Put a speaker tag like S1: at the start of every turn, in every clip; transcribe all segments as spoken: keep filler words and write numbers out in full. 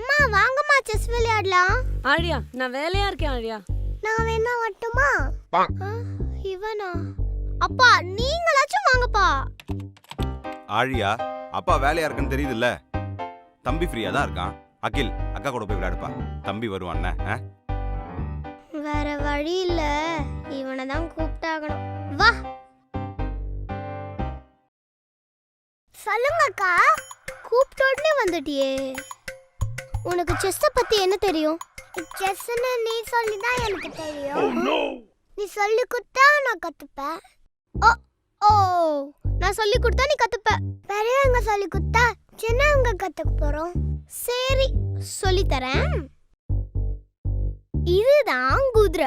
S1: அம்மா வாங்கம்மா செஸ் விளையாடலாம்.
S2: ஆழியா நான் வேலையா இருக்கேன் ஆழியா.
S1: நான் வேணா வரட்டுமா? இவனா? அப்பா நீங்களாச்சும் வாங்கப்பா.
S3: ஆழியா அப்பா வேலையா இருக்குன்னு தெரியுதுல்ல. தம்பி ஃப்ரீயா தான் இருக்கான். அகில் அக்கா கூட போய் விளையாடுப்பா. தம்பி வருவான்.
S1: வேற வழி இல்ல, இவனை தான் கூப்பிட்டாகணும். வா. சொல்லுங்க அக்கா. கூப்பிட்ட உடனே வந்துட்டியே. உனக்கு செஸ் பத்தி என்ன தெரியும்? செஸ்ன்னு நீ சொல்லி தான் எனக்கு தெரியும். நீ சொல்லி கொடுத்தா நான் கத்துப்பேன். ஓ ஓ நான் சொல்லி கொடுத்தா நீ கத்துப்ப. பெரியவங்க சொல்லி கொடுத்தா சின்னவங்க கத்துக்க போறோம். சரி சொல்லி தரேன். இதுதான் குதிரை,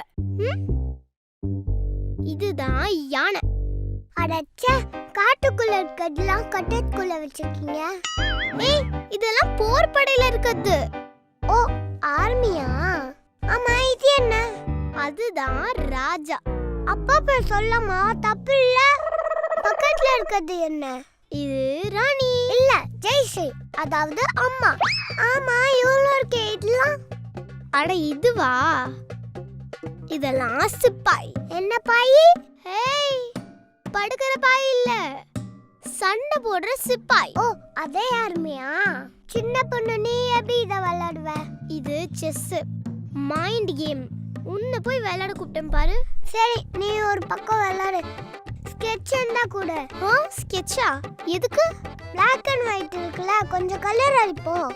S1: இதுதான் யானை. அடச்ச காட்டுக்குள்ள இருக்கிறதெல்லாம் கட்டத்துக்குள்ள வச்சிருக்கீங்க. ஏய் இதெல்லாம் போர் படையில இருக்குது. ஓ ஆர்மியா? ஆமா இது என்ன? அதுதான் ராஜா. அப்பா பேர் சொல்லமா தப்பு இல்ல. பக்கத்துல இருக்கிறது என்ன? இது ராணி இல்ல ஜெய்ஸ்ரீ, அதாவது அம்மா. ஆமா இவ்வளோ இருக்கே இதெல்லாம். அட இதுவா? இதெல்லாம் சிப்பாய். என்ன பாய்? ஹேய் படுக்கிற பாய் இல்ல, சண்டை போடுற சிப்பாய். ஓ அதே ஆர்மியா? சின்ன பொண்ணு நீ எப்படி இத விளையாடுவ? இது செஸ் மைண்ட் கேம். உன்னை போய் விளையாட கூப்பிட்டேன் பாரு. சரி நீ ஒரு பக்கம் விளையாடு. ஸ்கெட்ச் இருந்தா கூட. ஓ ஸ்கெட்சா? எதுக்கு? பிளாக் அண்ட் ஒயிட் இருக்குல்ல, கொஞ்சம் கலர் அடிப்போம்.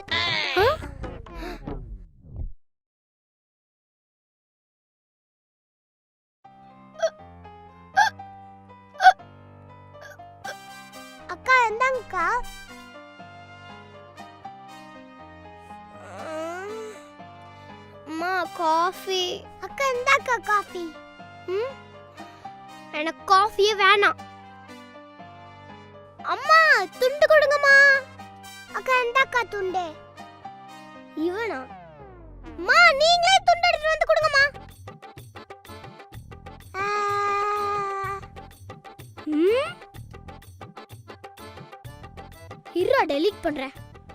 S1: அக்கா எந்தாங்கக்கா. அம்மா காஃபி. அக்கா எந்தாக்கா காஃபி. ம் எனக்கு காஃபியே வேணாம். அம்மா துண்டு கொடுங்கம்மா. அக்கா எந்தாக்கா துண்டு. இவனா? அம்மா நீங்களே துண்டு எடுத்து வந்து கொடுங்கம்மா. ம் இருடா டெலீட் பண்றேன்.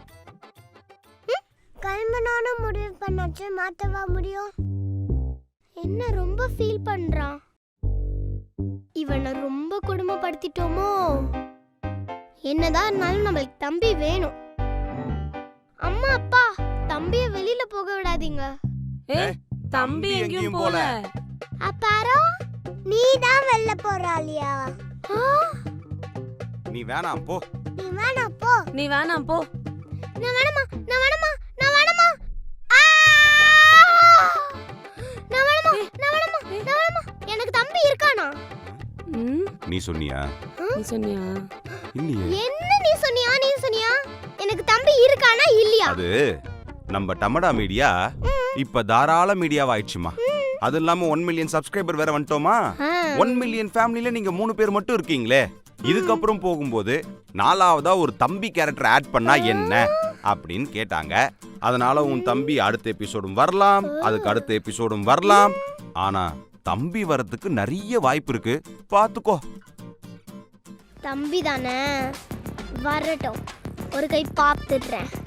S1: கல்மனான முடிவு பண்ணாச்சு, மாத்தவா முடியும்? என்ன ரொம்ப ஃபீல் பண்றான். இவனை ரொம்ப கொடுமைப்படுத்திட்டோமோ? என்னதான் இருந்தாலும் நம்மளுக்கு தம்பி வேணும். அம்மா அப்பா தம்பிய வெளியில போக விடாதீங்க.
S2: ஏய் தம்பி எங்கேயும் போல.
S1: அப்பாரோ நீ தான் வெளில போறாளியா?
S3: நீ வேணாம் போ.
S1: நீ வேணாம் போ.
S2: நீ வேணாம் போ.
S1: நான் வேணாமா நான் வேணாமா நான் வேணாமா நான் வேணாமா நான் வேணாமா நான் வேணாமா. எனக்கு தம்பி இருக்கானா?
S3: நீ சொன்னியா?
S2: நீ சொன்னியா?
S3: இல்லையே.
S1: என்ன நீ சொன்னியா? நீ சொன்னியா? எனக்கு தம்பி இருக்கானா இல்லையா?
S3: அது நம்ம டமடா மீடியா இப்ப தாராள மீடியாவாயிடுச்சுமா. அது இல்லாம ஒன் மில்லியன் சப்ஸ்கிரைபர் வேற வந்துட்டோமா. ஒன் மில்லியன் ஃபேமிலில நீங்க மூணு பேர் மட்டும் இருக்கீங்களே. இதுக்கப்புறம் போகும்போது நாலாவதா ஒரு தம்பி கேரக்டர் ஆட் பண்ணா என்ன அப்படின்னு கேட்டாங்க. அதனால உன் தம்பி அடுத்த எபிசோடும் வரலாம், அதுக்கு அடுத்த எபிசோடும் வரலாம். ஆனா தம்பி வரதுக்கு நிறைய வாய்ப்பு இருக்கு, பாத்துக்கோ.
S1: தம்பி தானே வரட்டும், ஒரு கை பாத்துடுறேன்.